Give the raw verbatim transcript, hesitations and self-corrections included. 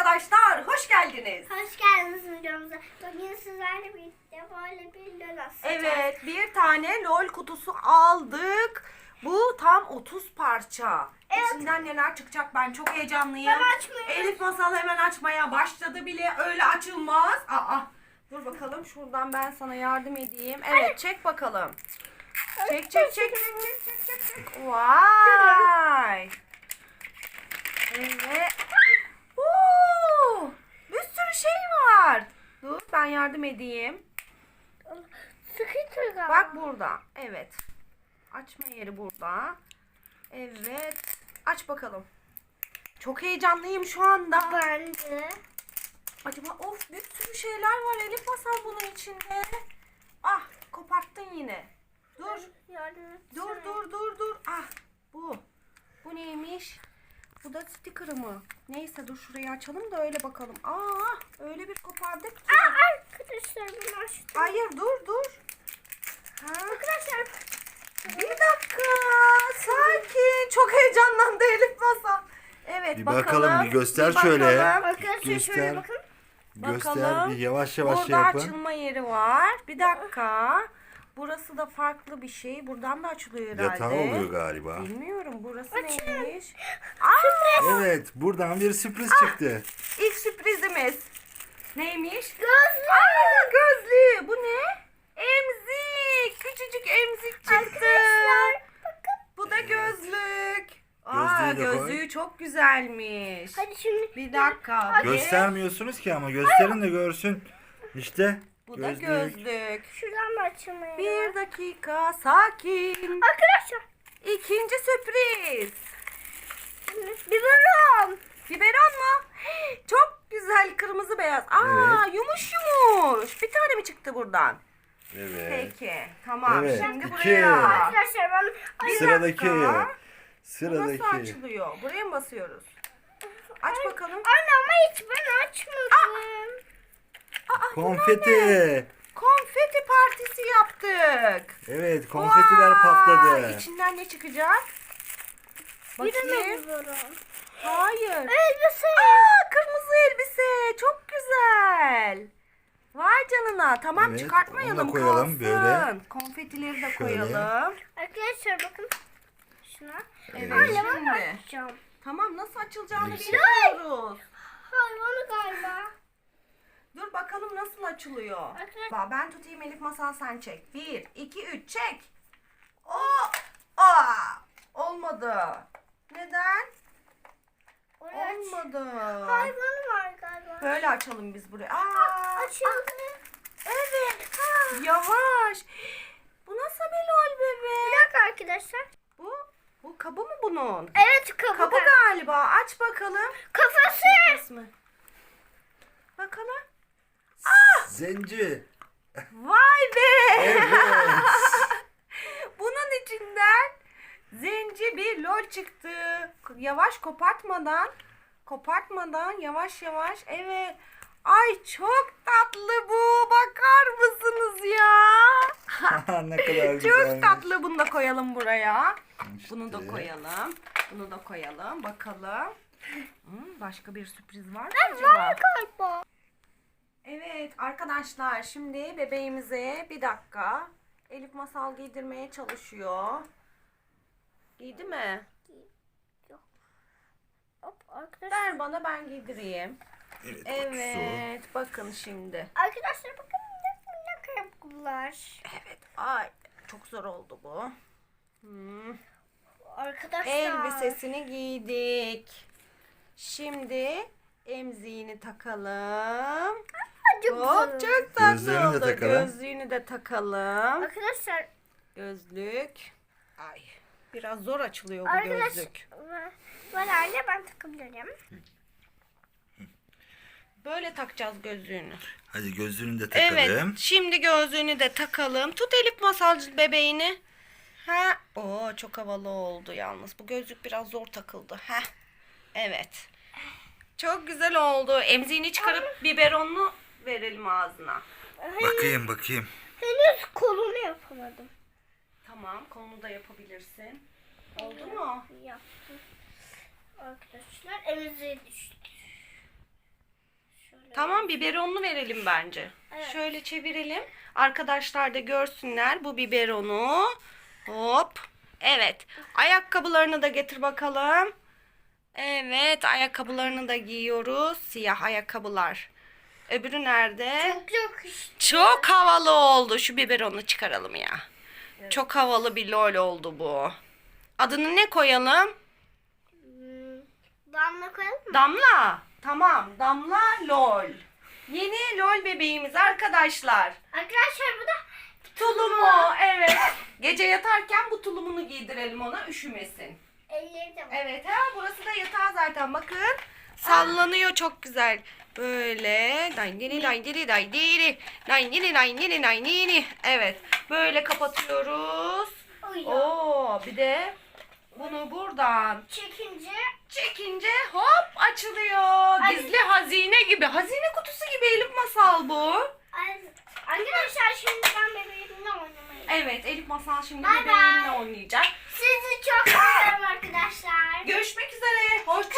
arkadaşlar, hoş geldiniz. Hoş geldiniz videomuza. Bugün sizlerle birlikte böyle bir lol atacağız. Evet, bir tane lol kutusu aldık. Bu tam otuz parça. Evet. İçinden neler çıkacak, ben çok heyecanlıyım. Ben açmıyorum. Elif Masal hemen açmaya başladı bile, öyle açılmaz. Aa, dur bakalım, şuradan ben sana yardım edeyim. Evet, çek bakalım. Çek çek çek çek çek çek çek çek. Vay. Evet. Oo, bir sürü şey var. Dur ben yardım edeyim. Sıkıntı galiba. Bak burada. Evet. Açma yeri burada. Evet. Aç bakalım. Çok heyecanlıyım şu anda. Ben de. Acaba of bir sürü şeyler var Elif Masal bunun içinde. Ah koparttın yine. Dur. Yardım etsene. Dur dur dur dur. Ah bu. Bu neymiş? Bu da sticker mı? Neyse dur şurayı açalım da öyle bakalım. Aa öyle bir kopardık ki. Aa, arkadaşlar bunu açtım. Hayır dur dur. Ha. Arkadaşlar. Bir dakika. Sakin. Çok heyecanlandı Elif Masal. Evet Bir bakalım. bakalım, bir göster Bir şöyle. bakalım. Arkadaşlar Göster. şöyle bakın. Göster Bakalım. bir yavaş yavaş şey Burada yapın. açılma yeri var. Bir dakika. Burası da farklı bir şey. Buradan da açılıyor herhalde. Yatağı oluyor galiba. Bilmiyorum. Burası Açın. neymiş? Aa, Evet, buradan bir sürpriz çıktı. ilk sürprizimiz. Neymiş? Gözlük. Aa, gözlüğü. Bu ne? Emzik. Küçücük emzik çıktı. Arkadaşlar bakın. Bu da gözlük. Aa, Gözlüğü de koy. gözlüğü çok güzelmiş. Hadi şimdi. Bir dakika. bir- Göstermiyorsunuz ki ama gösterin de görsün. İşte Bu da gözlük. gözlük. Şuradan da açılmıyor. Bir dakika sakin. Arkadaşlar. İkinci sürpriz. Biberon. Biberon mu? Çok güzel kırmızı beyaz. Aa Evet. yumuş yumuş. Bir tane mi çıktı buradan? Evet. Peki tamam. Evet, Şimdi iki. buraya. Arkadaşlar ben. Bir Sıradaki. dakika. Bu nasıl Sıradaki. açılıyor? Buraya mı basıyoruz? Aç bakalım. Anne ama hiç ben açmadım. Aa, Konfeti. konfeti partisi yaptık. Evet, konfetiler Vay, patladı. İçinden ne çıkacak? Bir de Bakayım. biberon. Hayır. Elbise. Aa, kırmızı elbise. Çok güzel. Vay canına. Tamam Evet, çıkartmayalım. onu da koyalım kalsın. böyle. Konfetileri de Şöyle. koyalım. Arkadaşlar bakın. Şuna. Evet. Anne ben Şimdi. açacağım. Tamam nasıl açılacağını Neyse. bilmiyoruz. Hayvanı galiba. Dur bakalım nasıl açılıyor. Arkadaşlar- Bak ben tutayım Elif Masal sen çek. Bir, iki, üç çek. Oo, aa, olmadı. Neden? Oraya aç. Olmadı. Hayvanı var galiba. Böyle açalım biz buraya. Aa, Açıldı. evet. Yavaş. Bu nasıl bir lol Bir bebe? dakika arkadaşlar. Bu, bu kabı mı bunun? Evet kabı. Kabı galiba. Aç bakalım. Kafası. Kısmı. Bakalım. Zenci. Vay be. Evet. Bunun içinden zenci bir lol çıktı. Yavaş kopartmadan, kopartmadan yavaş yavaş. Evet. Ay çok tatlı bu. Bakar mısınız ya? Ne kadar güzel. Çok tatlı. Bunu da koyalım buraya. İşte. Bunu da koyalım. Bunu da koyalım. Bakalım. Hmm, başka bir sürpriz var mı acaba? Var galiba. Evet arkadaşlar şimdi bebeğimize bir dakika Elif Masal giydirmeye çalışıyor. Giydi mi? Hop arkadaşlar. Ver bana ben giydireyim. Evet. Evet bakın şimdi. Arkadaşlar bakın ne ne ayakkabılar. Evet ay çok zor oldu bu. Hmm. Arkadaşlar. Elbisesini giydik. Şimdi emziğini takalım. Çok Hop güzel. çok tatlı Gözlüğünü de oldu. takalım. Gözlüğünü de takalım. Arkadaşlar. Gözlük. Ay biraz zor açılıyor bu Arkadaş. gözlük. Ben anne ben takabilirim. Böyle takacağız gözlüğünü. Hadi gözlüğünü de takalım. Evet. Şimdi gözlüğünü de takalım. Tut Elif Masalcı bebeğini. Ha. Oo çok havalı oldu yalnız. Bu gözlük biraz zor takıldı. Ha. Evet. Çok güzel oldu. Emziğini çıkarıp biberonunu verelim ağzına. Bakayım bakayım. Henüz kolunu yapamadım. Tamam, kolunu da yapabilirsin. Oldu mu? Yaptım. Arkadaşlar emziğe düştü. Tamam, biberonlu verelim bence. Evet. Şöyle çevirelim. Arkadaşlar da görsünler bu biberonu. Hop. Evet. Ayakkabılarını da getir bakalım. Evet, ayakkabılarını da giyiyoruz. Siyah ayakkabılar. Öbürü nerede? Çok çok işte. Çok havalı oldu. Şu biberonu çıkaralım ya. Çok havalı bir lol oldu bu. Adını ne koyalım? Hmm, Damla koyalım mı? Damla. Tamam. Damla lol. Yeni lol bebeğimiz arkadaşlar. Arkadaşlar bu da Tulumu. Evet. Gece yatarken bu tulumunu giydirelim ona, üşümesin. elleri de var. Evet. Ha, burası da yatağı zaten. Bakın. Sallanıyor çok güzel. Böyle. Dayndiri dayndiri dayndiri. Dayndiri dayndiri dayndiri. Evet. Böyle kapatıyoruz. Uyuyor. Oo, bir de bunu buradan Çekince çekince hop açılıyor. Ay. Gizli hazine gibi. Hazine kutusu gibi Elif Masal bu. Ay, arkadaşlar şimdi ben bebeğimle oynamayı. Evet, Elif Masal şimdi Bay bay. bebeğinle oynayacak. Sizi çok seviyorum arkadaşlar. Görüşmek üzere. Hoşça